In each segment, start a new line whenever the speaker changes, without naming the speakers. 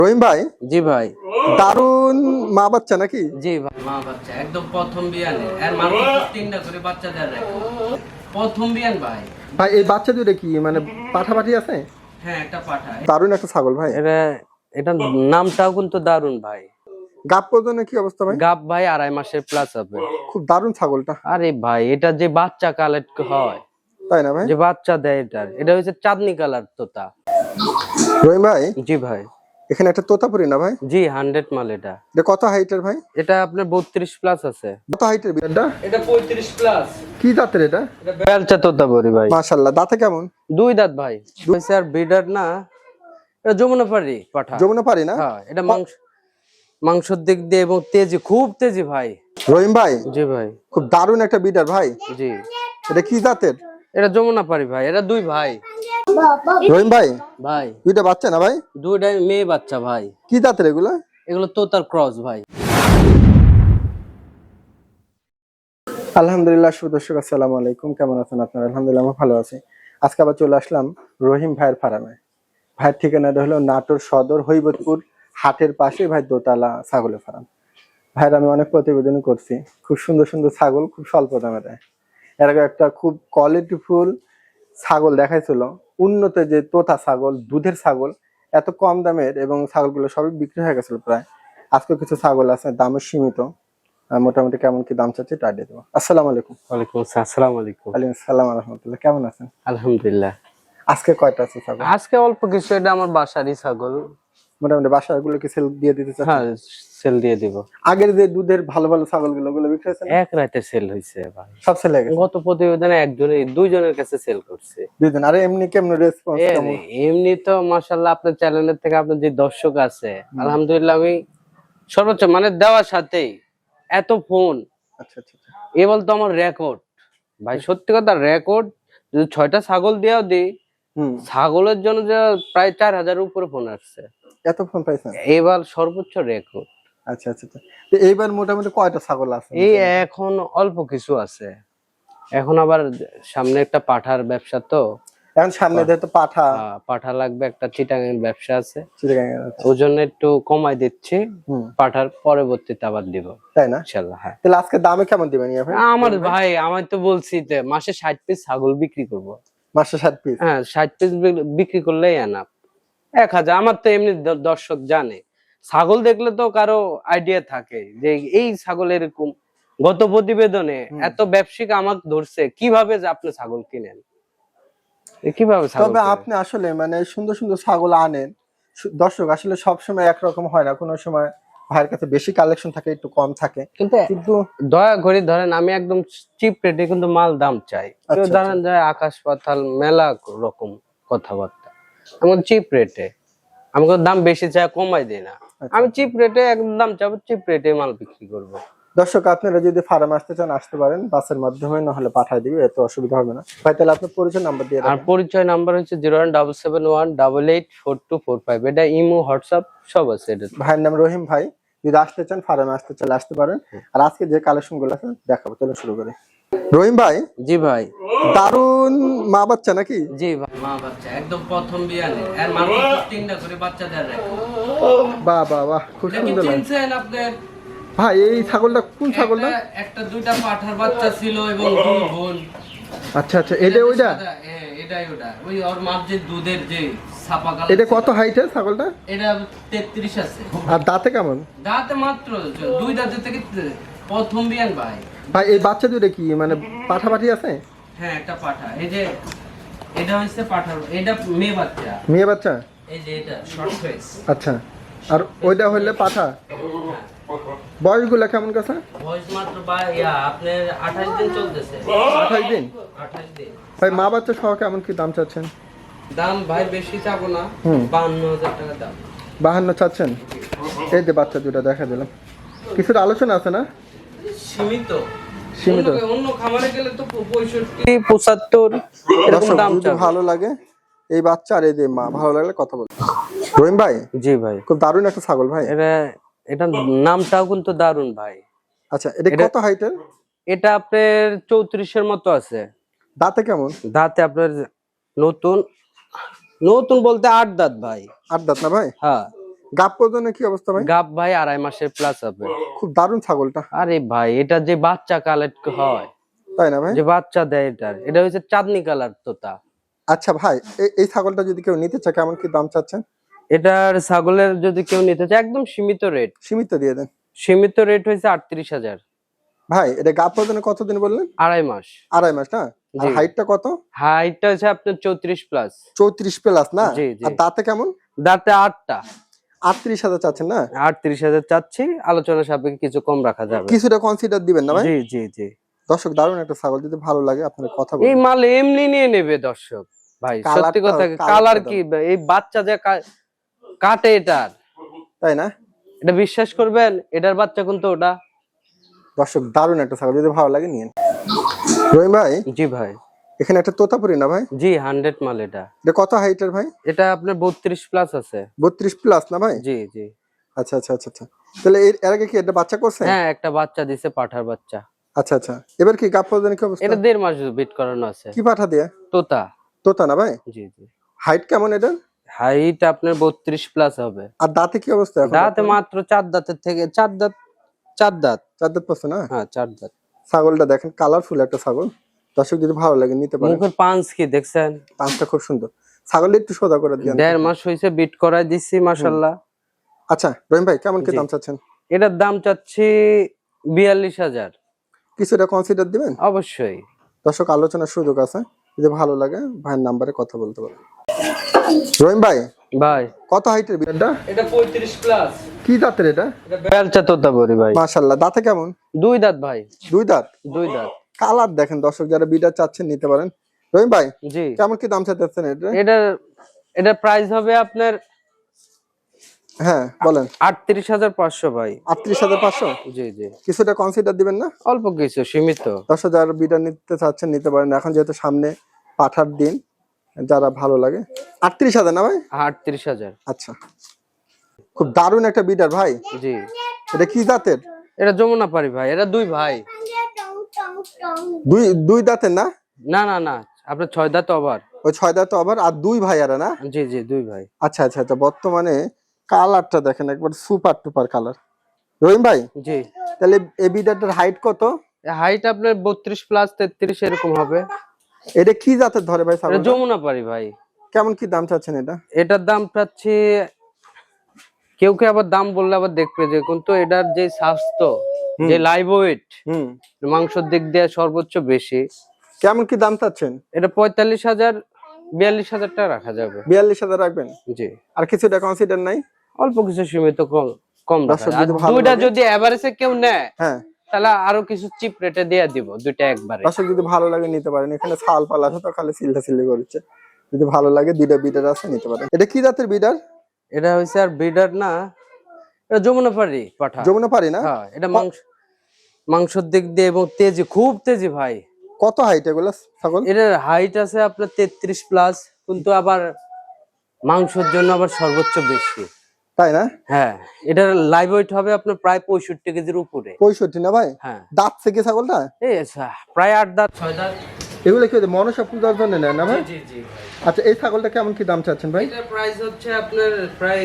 রহিম ভাই।
জি ভাই।
দারুন মা বাচ্চা নাকি?
জি ভাই, মা বাচ্চা একদম প্রথম বিয়ানে আর মাত্র 3টা করে বাচ্চা দেয় রাখো। প্রথম বিয়ান ভাই।
ভাই এই বাচ্চা দুটো কি মানে পাঠাপাঠি আছে?
হ্যাঁ, একটা পাঠা।
দারুন একটা ছাগল ভাই।
এটা নামটাও কিন্তু দারুন ভাই।
গাব প্রজননের কি অবস্থা ভাই?
গাব ভাই 2.5 মাসের প্লাস হবে।
খুব দারুন ছাগলটা।
আরে ভাই, এটা যে বাচ্চা কালেক্ট হয়,
তাই না ভাই?
যে বাচ্চা দেয়, এটা হচ্ছে চাঁদনি কালার তোতা।
রহিম ভাই,
জি ভাই।
এখানে একটা তোতাপুরি না ভাই?
জি 100 মাল। এটা
কত হাইটের ভাই?
এটা আপনার 32 প্লাস আছে।
কত হাইটের এটা?
এটা 35 প্লাস।
কি জাতের এটা?
এটা বেলচা তোতাপুরি ভাই।
মাশাআল্লাহ, দাঁতে কেমন?
2 দাঁত ভাই। আর ব্রিডার না, এটা যমুনাপাড়ি পাঠা।
যমুনাপাড়ি না?
হ্যাঁ, এটা মাংসের দিক দিয়ে এবং তেজি, খুব তেজি ভাই।
রহিম ভাই,
জি ভাই।
খুব দারুন একটা বিডার ভাই।
জি।
এটা কি জাতের?
এটা যমুনাপাড়ি ভাই। এটা 2 ভাই।
রহিম ভাই,
ভাই
দুইটা বাচ্চা না ভাই?
2টাই মেয়ে বাচ্চা ভাই।
কি জাতের এগুলা?
এগুলো তোতার ক্রস ভাই।
আলহামদুলিল্লাহ, সুদর্শক আসসালামু আলাইকুম। কেমন আছেন আপনারা? আলহামদুলিল্লাহ আমি ভালো আছি। আজকে আবার চলে আসলাম রহিম ভাইয়ের ফার্মে। ভাইয়ের ঠিকানাটা হলো নাটোর সদর হৈবতপুর হাটের পাশে ভাই দোতলা ছাগলের ফার্ম। ভাইয়ের আমি অনেক প্রতিবেদন করছি, খুব সুন্দর সুন্দর ছাগল খুব স্বল্প দামে দেয়। এর আগে একটা খুব কোয়ালিটিফুল ছাগল দেখাইছিল, উন্নত যে তোতা ছাগল, দুধের ছাগল, এত কম দামের, এবং ছাগলগুলো সবই বিক্রি হয়ে গেছিল প্রায়। আজকে কিছু ছাগল আছে দামে সীমিত, মোটামুটি কেমন কি দাম চাচ্ছে তা দিয়ে দেবো। আসসালামু আলাইকুম।
ওয়ালাইকুম আসসালাম। আসসালামু আলাইকুম।
ওয়ালাইকুম আসসালাম ওয়া রাহমাতুল্লাহ। কেমন আছেন?
আলহামদুলিল্লাহ।
আজকে কয়টা আছে ছাগল?
আজকে অল্প কিছু, এটা আমার বাসারই ছাগল।
মোটামুটি বাসাগুলো কি সেল দিয়ে দিতে চাচ্ছেন?
হ্যাঁ, সেল দিয়ে দিব।
আগের যে দুধের ভালো ভালো ছাগলগুলো ওগুলো বিক্রি হয়েছে না?
এক রাতে সেল হইছে ভাই।
সব সেল হয়ে গেছে?
গত প্রতিবেদনে দুইজনের কাছে সেল করছে।
দুইজন। আরে এমনি কেমন রেসপন্স কেমন?
এমনি তো মাশাআল্লাহ, আপনার চ্যানেলের থেকে আপনার যে দর্শক আছে, আলহামদুলিল্লাহ, আমি সর্বোচ্চ মানে দেওয়ার সাথেই এত ফোন,
আচ্ছা আচ্ছা আচ্ছা।
এ বলতো আমার রেকর্ড ভাই, সত্যি কথা রেকর্ড। যদি 6টা ছাগল দিয়েও দিই, ছাগলের জন্য যে প্রায় 4000 উপরে ফোন আসছে।
এত ফোন পাইছেন?
এবার সর্বোচ্চ রেকর্ড।
আচ্ছা আচ্ছা আচ্ছা। তো এইবার মোটামুটি কয়টা ছাগল আছে?
এই এখন অল্প কিছু আছে। এখন আবার সামনে একটা পাঠার ব্যবসা, তো
এখন সামনে যেহেতু
পাঠা লাগবে, একটা চিটাগাং ব্যবসা আছে,
চিটাগাং আছে,
ওই জন্য একটু কমাই দিচ্ছি। পাঠার পরবর্তীতে আবার দিব,
তাই না?
ইনশাআল্লাহ। হ্যাঁ।
তাহলে আজকে দামে কেমন দিবেন ভাই?
আমার ভাই, আমি তো বলছি যে মাসে 60 পিস ছাগল বিক্রি করব।
মাসে 60 পিস?
হ্যাঁ, 60 পিস বিক্রি করলেই এনাফ। 1000। আমার তো এমনি দর্শক জানে, ছাগল দেখলে তো কারো আইডিয়া থাকে যে এই ছাগল এরকম। গত প্রতিবেদনে এত ব্যবসায়িক আমাকে ধরছে কিভাবে যে আপনি ছাগল কিনেন, কিভাবে ছাগল।
তবে আপনি আসলে মানে সুন্দর সুন্দর ছাগল আনেন, দর্শক আসলে সব সময় একরকম হয় না, কোনো সময় ভাইয়ের কাছে বেশি কালেকশন থাকে, একটু কম থাকে।
কিন্তু দয়া করে ধরেন, আমি একদম চিপ রেটে কিন্তু মাল দাম চাই। কেউ ধরেন যায় আকাশ পাতাল মেলা রকম কথাবার্তা, আমি চিপ রেটে, আমি দাম বেশি চাই, কমাই দিই না। আমি চিপ রেটে একদম দাম চাবো, চিপ রেটে মাল বিক্রি করবো।
দর্শক আপনারা যদি ফার্মে আসতে চান আসতে পারেন, বাসের মাধ্যমে, না হলে পাঠিয়ে দিবে, এত অসুবিধা হবে না ভাই। তাহলে আপনার পরিচয় নাম্বার দিয়ে দেন।
আর পরিচয় নাম্বার হচ্ছে 01771884245। এটা ইমো, হোয়াটসঅ্যাপ সব আছে। এটা
ভাইয়ের নাম রহিম ভাই। যদি আসতে চান ফার্মে আসতে চাইলে আসতে পারেন। আর আজকে যে কালেকশন গুলো আছে দেখাবো, চলো শুরু করি। রহিম ভাই।
জি ভাই।
দারুন মা বাচ্চা নাকি?
জি ভাই, মা বাচ্চা একদম প্রথম বিয়ানে আর মাত্র 3টা করে বাচ্চা দেয় রাখো।
বাহ বাহ বাহ, খুব সুন্দর লাগে।
চিনছেন আপনি
ভাই এই ছাগলটা কোন ছাগলটা?
একটা 2টা পাঠার বাচ্চা ছিল এবং 2 বোন।
আচ্ছা আচ্ছা, এটা ওইটা?
হ্যাঁ, এটাই ওটা। ওই ওর মার যে দুধের যে ছাপা কালার।
এটা কত হাইটের ছাগলটা?
এটা 33 আছে।
আর দাঁতে কেমন?
দাঁতে মাত্র 2 দাঁতে থেকে প্রথম বিয়ান ভাই।
ভাই এই বাচ্চা দুটো কি মানে পাঠাপাঠি আছে?
হ্যাঁ, একটা পাঠা। এই যে এটা হইছে পাঠা, এটা মেয়ে বাচ্চা।
মেয়ে বাচ্চা?
এই যে এটা শর্ট ফেস।
আচ্ছা, আর ওইটা হইলে পাঠা। বয়সগুলা কেমন কাছে?
বয়স মাত্র আপনার 28 দিন চলতেছে।
28 দিন?
28 দিন।
ভাই মা বাচ্চা সহ কেমন কি দাম চাচ্ছেন?
দাম ভাই বেশি চাবো না, 52,000 টাকা দাম।
52 চাচ্ছেন? এই যে বাচ্চা দুটো দেখা দিলাম, কিছুটা আলোচনা আছে না?
সীমিত।
সীমিত।
অন্য খামারে গেলে তো 65 75 এরকম দাম
যদি ভালো লাগে এই বাচ্চা আর এই যে মা, ভালো লাগলে কথা বলবো। রহিম ভাই।
জি ভাই।
খুব দারুণ একটা ছাগল ভাই।
এটা নামটাও কিন্তু দারুন ভাই।
আচ্ছা, এটা কত হাইটের?
এটা আপনার 34 এর মতো আছে।
দাঁতে কেমন?
দাঁতে আপনার নতুন নতুন বলতে 8 দাঁত ভাই।
8 দাঁত না ভাই?
হ্যাঁ।
গাব প্রজনের কি অবস্থা ভাই?
গাব ভাই 2.5 মাসের প্লাস হবে।
খুব দারুণ ছাগলটা।
আরে ভাই এটা যে বাচ্চা কালেক্ট হয়,
তাই না ভাই?
যে বাচ্চা দেয়, এটা হচ্ছে চাঁদনি কালার তোতা।
আচ্ছা ভাই, এই ছাগলটা যদি কেউ নিতে চায় কেমন কি দাম চাচ্ছেন?
এটার ছাগলের যদি কেউ নিতে চায় একদম সীমিত রেট।
সীমিত দিয়ে দেন।
সীমিত রেট হয়েছে 38,000।
ভাই এটা গাব প্রজনে কতদিন বললেন?
2.5 মাস।
2.5 মাস না? আর
জি।
হাইটটা কত?
হাইটটা হচ্ছে আপনার 34 প্লাস।
34 প্লাস না?
জি জি।
আর দাঁতে কেমন?
দাঁতে 8টা।
38,000 চাচ্ছেন না?
38,000 চাচ্ছি, আলোচনা সাপেক্ষে কিছু কম রাখা যাবে।
কিছুটা কনসিডার দিবেন না ভাই?
জি জি জি।
দর্শক দারুণ একটা ছাগল, যদি ভালো লাগে আপনারা কথা
এই
বলুন।
মাল এমনি নিয়ে নেবে দর্শক ভাই, সত্যি
কালারটা-
কথা।
কালারটা
কালার
দাও।
কি এই বাচ্চা যে কাটে এটার,
তাই না?
এটা বিশ্বাস করবেন, এটার বাচ্চা কিন্তু ওটা।
দর্শক দারুণ একটা ছাগল, যদি ভালো লাগে নিন। রহিম ভাই,
জি ভাই।
এখানে একটা তোতাপুরি না ভাই?
জি 100 মাল এটা।
এটা কত হাইটের ভাই?
এটা আপনার 32 প্লাস আছে।
32 প্লাস না ভাই?
জি জি।
আচ্ছা আচ্ছা আচ্ছা আচ্ছা। তাহলে এর আগে কি এটা বাচ্চা করছে?
হ্যাঁ একটা বাচ্চা দিছে, পাঠার বাচ্চা।
আচ্ছা আচ্ছা। এবার কি গাব প্রজনের কি অবস্থা?
এটা 1.5 মাস বিট করানো আছে।
কি পাঠা দিয়ে?
তোতা।
তোতা না ভাই?
জি জি।
হাইট কেমন এটা?
হাইট আপনার 32 প্লাস হবে।
আর দাঁতে কি অবস্থা এখন?
দাঁতে মাত্র 4 দাঁতের থেকে 4 দাঁত। 4 দাঁত।
4 দাঁত পড়ছে না?
হ্যাঁ 4 দাঁত।
ছাগলটা দেখেন, কালারফুল একটা ছাগল। দর্শক যদি ভালো লাগে নিতে পারেন।
মুখের পাঁচ কি দেখছেন?
পাঁচটা খুব সুন্দর। ছাগলটা একটু সোজা করে দিন।
1.5 মাস হয়েছে বিট করাই দিছি, মাশাআল্লাহ।
আচ্ছা রহিম ভাই, কেমন কি
জি।
দাম চাচ্ছেন?
এটার দাম চাচ্ছি 42,000।
কিছুটা কনসিডার দিবেন?
অবশ্যই।
দর্শক আলোচনার সুযোগ আছে, যদি ভালো লাগে ভাইয়ের নাম্বারে কথা বলতে পারেন। রহিম ভাই,
ভাই
কত হাইটের বিড়ালটা?
এটা 35 প্লাস।
কি দাঁতের এটা?
এটা বেলচা তোতা বড়ি ভাই।
মাশাআল্লাহ, দাঁতে কেমন?
2 দাঁত ভাই।
2 দাঁত।
2 দাঁত।
কালার দেখেন দর্শক, যারা বিড়াল চাচ্ছেন নিতে পারেন। রহিম ভাই,
জি।
কেমন কি দাম চাচ্ছেন এটা?
এটার প্রাইস হবে আপনার
হ্যাঁ বলেন।
38,500 ভাই।
38,500?
জি জি।
কিছুটা কনসিডার দিবেন না?
অল্প কিছু, সীমিত।
দর্শক যারা বিড়াল নিতে চাচ্ছেন নিতে পারেন, এখন যেহেতু সামনে পাঠার দিন, যারা ভালো লাগে। 38,000 না ভাই?
38,000।
আচ্ছা, খুব দারুণ একটা বিডার ভাই।
জি।
এটা কি জাতের?
এটা যমুনা পারি ভাই, এটা 2 ভাই।
দুই দাঁতের না?
না না না, আপনার 6 দাঁত আবার।
ওই 6 দাঁত আবার, আর 2 ভাইয়ারা না?
জি জি 2 ভাই।
আচ্ছা আচ্ছা আচ্ছা। বর্তমানে কালারটা দেখেন একবার সুপার টুপার কালার। রহিম ভাই,
জি।
তাহলে এই বিডারটার হাইট কত?
হাইট আপনার 32 প্লাস 33 এরকম হবে।
এটা কি জাতের ধরে ভাই
এটা
ছাগলটা?
যমুনা পারি ভাই।
কেমন কি দাম চাচ্ছেন এটা?
এটার দাম চাচ্ছি, কেউ কেউ আবার দাম বললে আবার দেখবে যে, কিন্তু এটার যে স্বাস্থ্য, যে লাইভ ওয়েট,
হুম,
মাংসের দিক দিয়ে সর্বোচ্চ বেশি।
কেমন কি দাম চাচ্ছেন?
এটা 45,000 42,000 টাকা রাখা যাবে।
42,000 রাখবেন?
জি।
আর কিছুটা কনসিডার নাই?
অল্প কিছু সীমিত কম কম রাখা
দর্শক
যাবে। আর
যদি ভালো
দুইটা
লাগে-
যদি এভারেজে কেউ নেয়
হ্যাঁ,
তাহলে আরো কিছু চিপ রেটে দিয়ে দিব, দুইটা একবারে।
দর্শক যদি ভালো লাগে নিতে পারেন। এখানে ছাল পাল আছে তো, খালি সিল্লা সিল্লি করছে। যদি ভালো লাগে দুইটা বিডার আছে, নিতে পারেন। এটা কি জাতের বিডার?
এটা হইছে আর ব্রিডার না, এটা যমুনা পারি পাঠা।
যমুনা পারি না?
হ্যাঁ, এটা মাংসের দিক দিয়ে এবং তেজি, খুব তেজি ভাই।
কত হাইট এগুলো ছাগল?
এটার হাইট আছে আপনার 33 প্লাস, কিন্তু আবার মাংসের জন্য আবার সর্বোচ্চ বেশি।
তাই না?
হ্যাঁ, এটার লাইভ ওয়েট হবে আপনার প্রায় 65 কেজির উপরে।
65 না ভাই?
হ্যাঁ।
দাঁত থেকে ছাগলটা?
এই প্রায় 8 দাঁত 6 দাঁত।
এগুলো কি মনসা পূজার জন্য নেয় না ভাই?
জি জি ভাই।
আচ্ছা, এই ছাগলটা কেমন কি দাম চাচ্ছেন ভাই?
এটার প্রাইস হচ্ছে আপনার প্রায়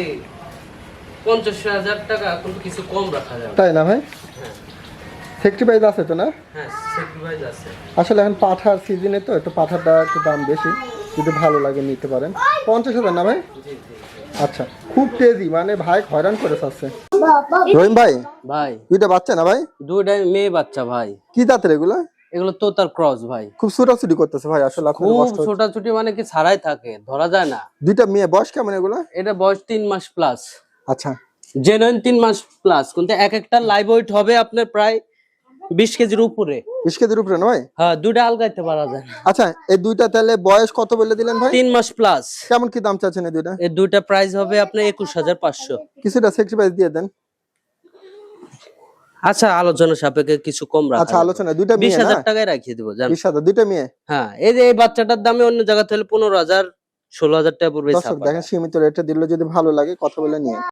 50,000 টাকা, কিন্তু কিছু কম রাখা যাবে।
তাই না ভাই? সেক্রিফাইস আছে তো না?
হ্যাঁ, স্যাক্রিফাইস আছে।
আসলে এখন পাঠার সিজনে তো, একটু পাঠাটা একটু দাম বেশি। যদি ভালো লাগে নিতে পারেন। 50,000 না ভাই?
জি জি।
আচ্ছা, খুব তেজি, মানে ভাই হয়রান করে চাচ্ছে। রহিম ভাই,
ভাই
দুইটা বাচ্চা না ভাই?
দুইটাই মেয়ে বাচ্চা ভাই।
কি জাতের এগুলা?
এগুলো তোতার ক্রস ভাই।
খুব ছোটাছুটি করতেছে ভাই, আসলে আপনার
খুব
কষ্ট হচ্ছে।
ছোটাছুটি, মানে কি ছাড়াই থাকে, ধরা যায় না।
দুইটা মেয়ে, বয়স কেমন এগুলা?
এটা বয়স 3 মাস প্লাস।
আচ্ছা,
জেনুইন 3 মাস প্লাস, কিন্তু এক একটা লাইভ ওয়েট হবে আপনার প্রায় 20 কেজির উপরে।
20 কেজির উপরে না ভাই?
হ্যাঁ, দুইটা আলগাইতে পারা যায় না।
আচ্ছা, এই দুইটা তাহলে বয়স কত বলে দিলেন ভাই?
3 মাস প্লাস।
কেমন কি দাম চাচ্ছেন এই দুইটা?
এই দুইটা প্রাইস হবে আপনার 21,500।
কিছুটা সেক্রিফাইস দিয়ে দেন।
আচ্ছা, আলোচনা সাপেক্ষে কিছু কম রাখা
আচ্ছা,
যাবে।
আলোচনা। দুইটা মেয়ে না?
20,000 টাকায় রাখিয়ে দেবো জান।
20,000 দুইটা মেয়ে?
হ্যাঁ, এই যে এই বাচ্চাটার দামে অন্য জায়গা থেকে 15,000 16,000 টাকা পড়বে।
দর্শক দেখেন, সীমিত রেটে দিলে যদি ভালো লাগে কথা বলে নিয়ে